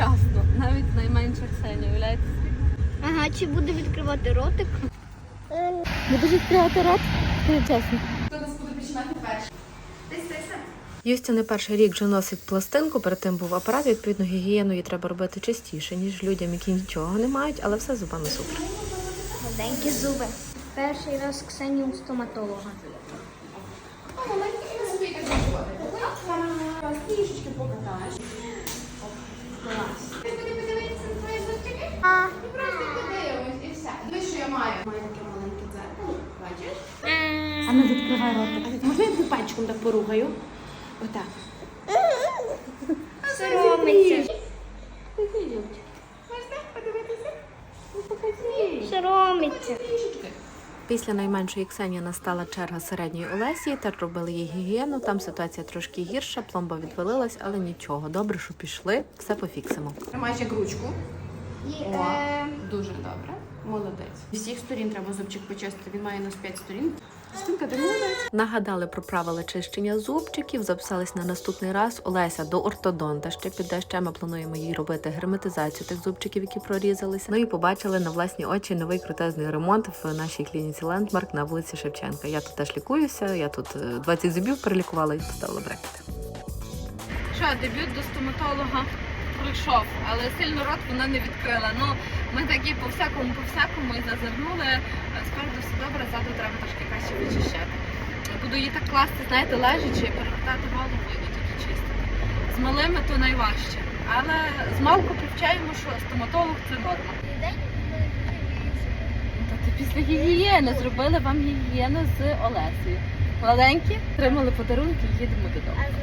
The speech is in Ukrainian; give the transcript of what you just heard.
вчасно. Навіть найменша Ксенія, уявляєте? Ага, чи буде відкривати ротик? Будеш відкривати рот? Чесно. Хто нас буде починати перший? Ти. Юстя не перший рік вже носить пластинку, перед тим був апарат, відповідно, гігієну їй треба робити частіше, ніж людям, які нічого не мають, але все з зубами супер. Маленькі зуби. Перший раз Ксенію у стоматолога. Трішечки покатаєш. Клас. Ти буде подивитися на твої зубчики? І просто подивимось, і все. Дивись, що я маю. Маю таке маленьке дзеркало, бачиш? А ну відкривай ротик. Можна я твій пальчиком так порухаю? Отак. Соромиться. Можна подивитися? Ну, покажи. Соромиться. Трішечки. Після найменшої Ксенії настала черга середньої Олесі, теж робили їй гігієну, там ситуація трошки гірша, пломба відвалилась, але нічого, добре, що пішли, все пофіксимо. Тримай як ручку. О, дуже добре. Молодець. З всіх сторін треба зубчик почистити. Він має у нас 5 сторін. Стінка, ти молодець. Нагадали про правила чищення зубчиків, записались на наступний раз. Олеся до ортодонта ще піде, ще ми плануємо їй робити герметизацію тих зубчиків, які прорізалися. Ну і побачили на власні очі новий крутезний ремонт в нашій клініці Лендмарк на вулиці Шевченка. Я тут теж лікуюся, я тут 20 зубів перелікувала і поставила брекети. Що, дебют до стоматолога пройшов, але сильно рот вона не відкрила. Ну, ми такі по всякому і зазирнули. Спереду все добре, ззаду треба трошки краще вичищати. Буду її так класти, знаєте, лежачи, перевертати голову і тільки чистити. З малими то найважче. Але з малку привчаємо, що стоматолог це норма. Та ти після гігієни зробили вам гігієну з Олесею. Маленькі, отримали подарунки і їдемо додому.